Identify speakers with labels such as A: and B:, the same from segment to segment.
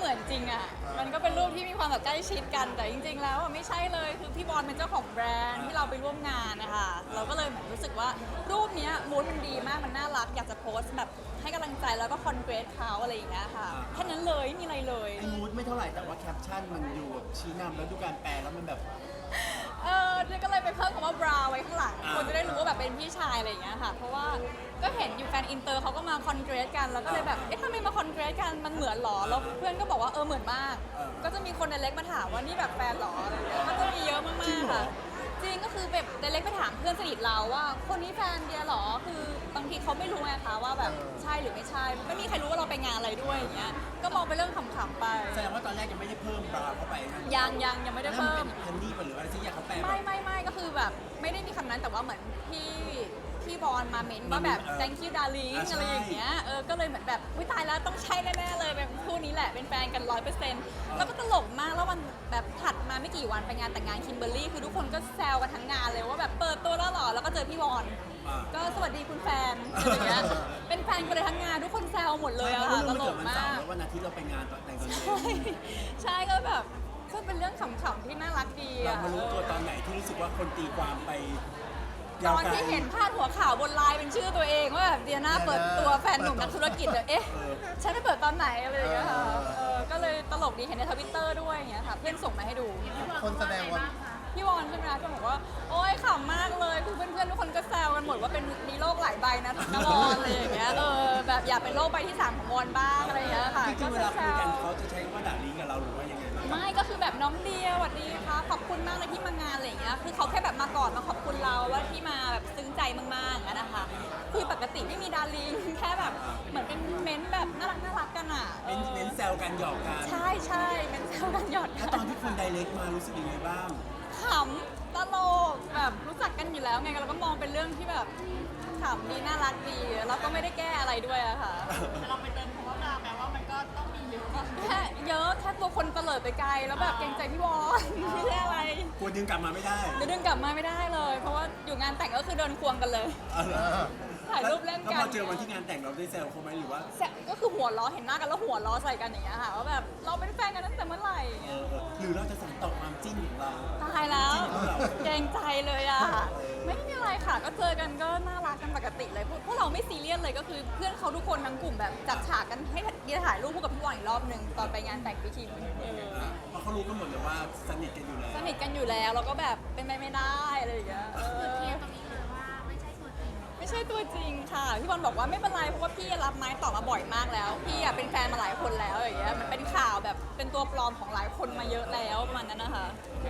A: มือนจริงอ่ะมันก็เป็นรูปที่มีความแบบใกล้ชิดกันแต่จริงๆแล้วอะไม่ใช่เลยคือพี่บอลเป็นเจ้าของแบรนด์ที่เราไปร่วมงานนะคะเราก็เลยเหมือนรู้สึกว่ารูปเนี้ยมูดมันดีมากมันน่ารักอยากจะโพสต์แบบให้กำลังใจแล้วก็คอนเกรสเขาอะไรอย่างเงี้ยค่ะแค่นั้นเลยไม่มีอะไรเลย
B: ไอ้มูดไม่เท่าไหร่แต่ว่าแคปชั่นมันอยู่แบบชี้นำแล้วดูการแปลแล้วมันแบบ
A: เจ๊ก็เลยไปเพิ่มคำว่าบราไว้ข้างหลัง
B: อ่า
A: คนจะได้รู้ว่าแบบเป็นพี่ชายอะไรอย่างเงี้ยค่ะ เพราะว่าก็เห็นอยู่แฟนอินเตอร์เขาก็มาคอนเกรสกัน แล้วก็เลยแบบ เอ๊ะทำไมมาคอนเกรสกัน มันเหมือนหรอ แล้วเพื่อนก็บอกว่าเหมือนมาก ก็จะมีคนในเล็กมาถามว่านี่แบบแฟนหรออะไรอย่างเงี้ย ก็จะมีเยอะมากๆค่ะ จริงก็คือแบบในเล็กไปถามเพื่อนสนิทเราว่าคนนี้แฟนเดียหรอ คือบางทีเขาไม่รู้ไงคะว่าแบบใช่หรือไม่ใช่ ไม่มีใครรู้ว่าเราไปงานอะไรด้วยอย่างเงี้ย ก็มองไปนเรื่องขำๆไป
B: แสดงว่าตอนแรกยังไม่ได้เพิ่มบราเข้าไปนะ
A: ยังไม่ได้
B: แล้วมัน
A: เพิ่
B: เป็
A: ม
B: นฮันนี่ป่ะหรืออะไรที่อยากเขาแปลแบบ
A: ไม่ก็คือแบบไม่ได้มีคำนั้นแต่ว่าเหมือนพี่บอลมาเม้นว่าแบบ thank you darling
B: อ่าใช่
A: อะไรอย่างเงี้ยก็เลยเหมือนแบบอุ้ยตายแล้วต้องใช่แน่ๆเลยแบบคู่นี้แหละเป็นแฟนกัน100%แล้วก็ตลกมากแล้ววันแบบถัดมาไม่กี่วันไปงานแต่งงานคิมเบอร์รี่คือทุกคนก็แซวกันทั้งงานเลยว่าแบบเปิดตัวแล้วเหรอแล้วก็เจอพี่บอล
B: อ่า
A: ก็สวัสดีคุณแฟนอะไรอย่างเงี้ยเป็นแฟนกันเลยทั้งงานทุกคนแซวหมดเลยอะค่ะตลกมาก
B: แล้ววันอาทิตย์เราไปงานตอนแต่งตอนเย็น
A: ใช่ก็แบบก็เป็นเรื่องขำๆที่น่ารักดี
B: เรา
A: อะ
B: มารู้ตัวตอนไหนที่รู้สึกว่าคนตีความไป
A: ต
B: ยาว
A: อน
B: ไกล
A: ที่เห็นพาดหัวข่าวบนไลน์เป็นชื่อตัวเองว่าแบบเดียน่าเปิดตัวแฟนหนุ่มนักธุรกิจเอ๊ะฉันไปเปิดตอนไหนอะไรอย่างเงี้ยค่ะก็เลยตลกดีเห็นในทวิตเตอร์ด้วยอย่างเงี้ยค่ะเพื่อนส่งมาให้ดู
C: คนแสดงว่า
A: พี่วอนใช่ไหมคะก็บอกว่าโอ๊ยขำมากเลยคือเพื่อนๆทุกคนก็แซวกันหมดว่าเป็นมีโรคหลายใบนะนะวอนอะไรอย่างเงี้ยแบบอยากเป็นโรคใบที่ 3ของวอนบ้างอะไรอย่างเงี้ยค่ะ
B: จริ
A: ก็
B: งๆเว
A: จะ
B: ลา
A: แซ
B: คุยกัน
A: ว
B: เขาจะใช้ว่าด่าลิงกับเราหรือว่ายังไงบ้าง
A: ไม่ก็คือแบบน้องเดียสวัสดีค่ะขอบคุณมากเลยที่มางานอะไรอย่างเงี้ยคือเขาแค่แบบมาก่อนมาขอบคุณเราว่าที่มาแบบซึ้งใจมากๆอย่างนั้นนะคะคือปกติไม่มีดาริงแค่แบบเหมือนเป็นเม้นท์แบบน่ารักกันอ่ะ
B: เน้นแซวกันหยอกกัน
A: ใช่เป็นแซวกันหยอดกั
B: ถ้าน ตอนที่คนไดเรกมารู้สึกยังไงบ้าง
A: ขำตลกแบบรู้จักกันอยู่แล้วไงเราก็มองเป็นเรื่องที่แบบขำดีน่ารักดีแล้วก็ไม่ได้แก้อะไรด้วยอะค่ะ
D: แต่เราไปเติมคำว่าดราแปลว่ามันก็ต้องมีเยอะ
A: แค่เยอะแค่ตัวคนเตลิดไปไกลแล้วแบบเกรงใจพี่วอนไม่ใช่อะไร
B: กลัวดึงกลับมาไม่ได้
A: เดี๋ยวดึงกลับมาไม่ได้เลย เพราะว่าอยู่งานแต่งก็คือเดินควงกันเลย
B: เอาเหรอ
A: ถ่ายรูปเล่น
B: แล้ว
A: กั
B: พ
A: น
B: อเจอวันที่งานแต่งเราได้แซวเขาไหมหรือว่า
A: ก็คือหัวล้อเห็นหน้ากันแล้วหัวล้อใส่กันอย่างเงี้ยค่ะว่าแบบเราเป็นแฟนกันตั้งแต่เมื่อไหร่อย่างเงี้ย
B: หรือเราจะสั่งต่อความจิ้นของเรา
A: ตายแล้ว
B: จริงเหรอ
A: เกรงใจเลยอ่ะไม่มีอะไรค่ะ ก็เจอกันก็น่ารักกันปกติเลยพวกเราไม่ซีเรียสเลยก็คือเพื่อนเขาทุกคนทั้งกลุ่มแบบจัดฉากกันให้เดียถ่ายรูปคู่กับพี่วอนอีกรอบหนึ่งตอนไปงานแต่งพี่คิม
B: เพราะเขารู้กันหมดเลยว่าสนิทกันอยู่แล้ว
A: สนิทกันอยู่แล้วเราก็แบบเป็นไปไม่ได้อะไรอย่างเงี้ย
D: เคลียร์ตรงนี้เลยว่าไม่ใช่ตัวจริง
A: ไม่ใช่ตัวจริงค่ะพี่บอลบอกว่าไม่เป็นไรเพราะว่าพี่รับไม้ต่อมาบ่อยมากแล้ว พี่อะเป็นแฟนมาหลายคนแล้วอย่างเงี้ยมันเป็นข่าวแบบเป็นตัวปลอมของหลายคนมาเยอะแล้วประมาณนั้นนะคะ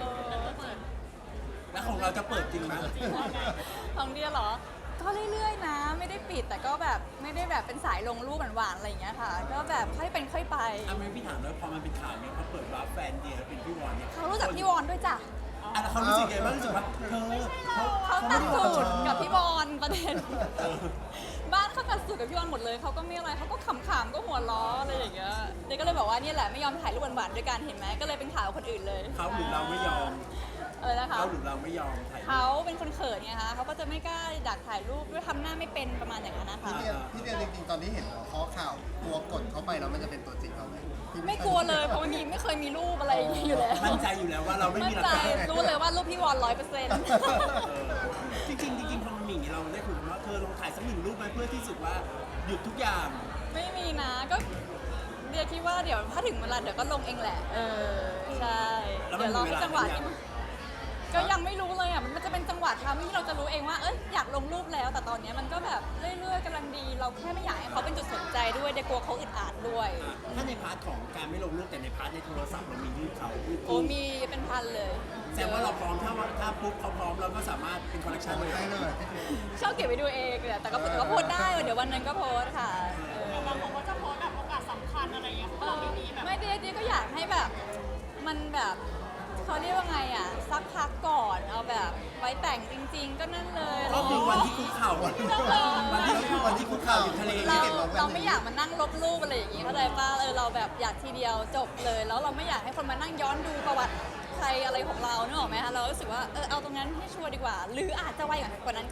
B: แล้วของเราจะเปิดจริงไหม
A: ของเดียเหรอ ก็เรื่อยๆนะ ไม่ได้ปิดแต่ก็แบบไม่ได้แบบเป็นสายลงรูปหวานๆอะไรอย่างเงี้ยค่ะ ก็แบบค่อยเป็นค่อยไป
B: อ่ะไม่พี่ถามแล้วพอมันเป็นข่าวเนี่ยเขาเปิดรับแฟนเดียเป็นพี่วอนเนี่ย
A: เขารู้จักพี่วอนด้วยจ้ะ
B: อ่ะแล้วเขารู้สึกไงบ้างรู้สึกว่าเธอ
A: เขาตัด
B: ไม่
A: สู
B: ได้
A: ตรกับพี่บอลประเด็น บ้านเขาตัดสูตรกับพี่บอลหมดเลยเขาก็ไม่อะไรเขาก็ขำๆก็หัวล้ออะไรอย่างเงี้ยเด็กก็เลยบอกว่านี่แหละไม่ยอมถ่ายรูปหวานๆด้วยกันเห็นไหมก็เลยเป็นข่าวกับคนอื่นเลย
B: เขาหรือเราไม่ยอม
A: นะคะ
B: เขาหรือเราไม่ยอมถ่ายรูป
A: เขาเป็นคนเขินไงคะเขาก็จะไม่กล้าดักถ่ายรูปด้วยทำหน้าไม่เป็นประมาณอย่างนั้นนะคะ
C: พี่เดียจริงๆตอนที่เห็นข้อข่าวกลัวกดเข้าไปแล้วมันจะเป็นตัวจริงเขาไหม
A: ไม่กลัวเลยเพราะไม่เคยมีรูปอะไรอย่างเงี้ยอยู่แล้ว
B: มั่นใจอยู่แล้วว่าเราไม่
A: มั่
B: มี
A: น
B: หลัก
A: ใจ
B: ฐาน
A: รู้เลยว่ารูปพี่วอน100%
B: จริงๆจริงๆพอมันมีอย่างนี้เราได้คุยกันว่าเธอลองถ่ายสักหนึ่งรูปไหมเพื่อที่สุดว่าหยุดทุกอย่าง
A: ไม่มีนะก็เดียคิดว่าเดี๋ยวถ้าถึงเวลาเดี๋ยวก็ลงเองแหละใช่เดี๋ยวรอให้จังหวะที่ก็ยังไม่รู้เลยอ่ะมันจะเป็นจังหวะทำที่เราจะรู้เองว่าอยากลงรูปแล้ว แต่ตอนนี้มันก็แบบเรื่อยๆกำลังดี เราแค่ไม่อยากให้เขาเป็นจุดสนใจด้วยเดี๋ยวกลัวเขาอึดอัดด้วย
B: ถ้าในพาร์ทของการไม่ลงรูปแต่ในพาร์ทในโทรศัพท์เรามีรูปเขารูป
A: โอ้มีเป็นพันเลย
B: แสดงว่าเราพร้อมถ้าปุ๊บเขาพร้อมเราก็สามารถเป็นคอลเลคชันเลย
C: ได้เลย
A: ชอบเก็บไว้ดูเองแหละแต่ก็โพสต์ได้เดี๋ยววันนั้นก็โพสต์ค่ะ
D: บางคนก็จะโพสต์แบบโอกาสสำคัญอะไรเงี้ยเพราะเราไม่มีแบบ
A: ไม่ดีก็อยากให้แบบมันแบบเขาเรียกว่าไงอ่ะสักพักก่อนเอาแบบไว้แต่งจริง ๆ ก็นั่นเลย
B: ก็คือวันที่คุกเข่าวันที่คุกเข่าอยู่ทะเล
A: เรา
B: ที่เห็นเรา
A: เราไม่อยากมานั่งลบรูปอะไรอย่างงี้เข้าใจป่ะเราแบบอยากทีเดียวจบเลย แล้วเราไม่อยากให้คนมานั่งย้อนดูประวัติใครอะไรของเราเนกอะไหมคะเรารู้สึกว่าเอาตรงนั้นให้ชัวร์ดีกว่า หรืออาจจะไวกว่านั้นก็ได้นี่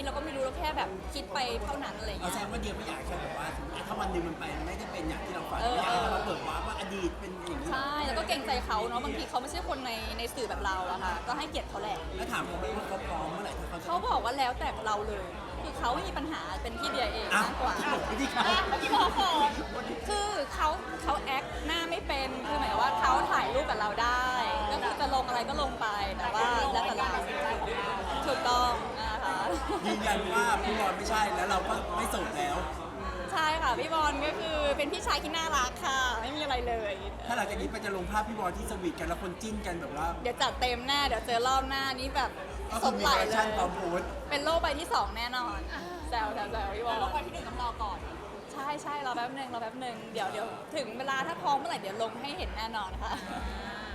A: เราก็ไม่รู้เราแค่แบบคิดไปเท่านั้นอะไร
B: เอา
A: เงี้
B: แสด
A: ย
B: งว่าเดียวไม่อยากแค่แบบว่าถ้าวันหนึ่งมันไปไม่ได้เป็นอย่างที่เราฝัน
A: เออ
B: ไม่อยากให้เราเปิดวาร์ปว่าอดีตเป็นอย่างนี้
A: ใช่แล้วก็เกรงใจเขาเนาะบางทีเขาไม่ใช่คนในสื่อแบบเราอะค่ะก็ให้เกียรติเขาแหละ
B: แล้วถามเขาไหมว่าเขาพร้อมเมื่อไหร่ถ้าเขาจะ
A: เขาบอกว่าแล้วแต่เราเลย คือเขาไม่มีปัญหาเป็นที่เดียเอง
B: อ้าว
A: มากกว่า
B: ที่เขา
D: เมื่อกี้บอกขอ
A: คือเขาแอคหน้าไม่เป็นคือหมายว่าเขาถ่ายรูปกับเราได้ ก็คือจะลงอะไรก็ลงไปแต่ว่าแล้วแต่เราถูกต้องนะคะ
B: ยืนยันว่าพี่บอลไม่ใช่แล้วเราก็ไม่โสดแล้ว
A: ใช่ค่ะพี่บอลก็คือเป็นพี่ชายที่น่ารักค่ะ ไม่มีอะไรเลย
B: ถ้าหลังจากนี้ไปจะลงภาพพี่บอลที่สวีทกันแล้วคนจิ้นกันแบบว่า
A: เดี๋ยวจัดเต็มแน่เดี๋ยวเจอรอบหน้านี้แบบ
B: ก็
A: ส
B: คือ
A: ด
B: มี
A: ไหล
B: คอลเลค
A: เล
B: ชั่น
A: ย
B: พร้อมโพสต์
A: เป็นโลกใบที่ 2 แน่นอนแซวพี่บอล
D: ลงไปที่หนึ่งต้องรอก่อน
A: ใช่รอแป๊บหนึ่งเดี๋ยวถึงเวลาถ้าพร้อมเมื่อไหร่เดี๋ยวลงให้เห็นแน่นอนค่ะ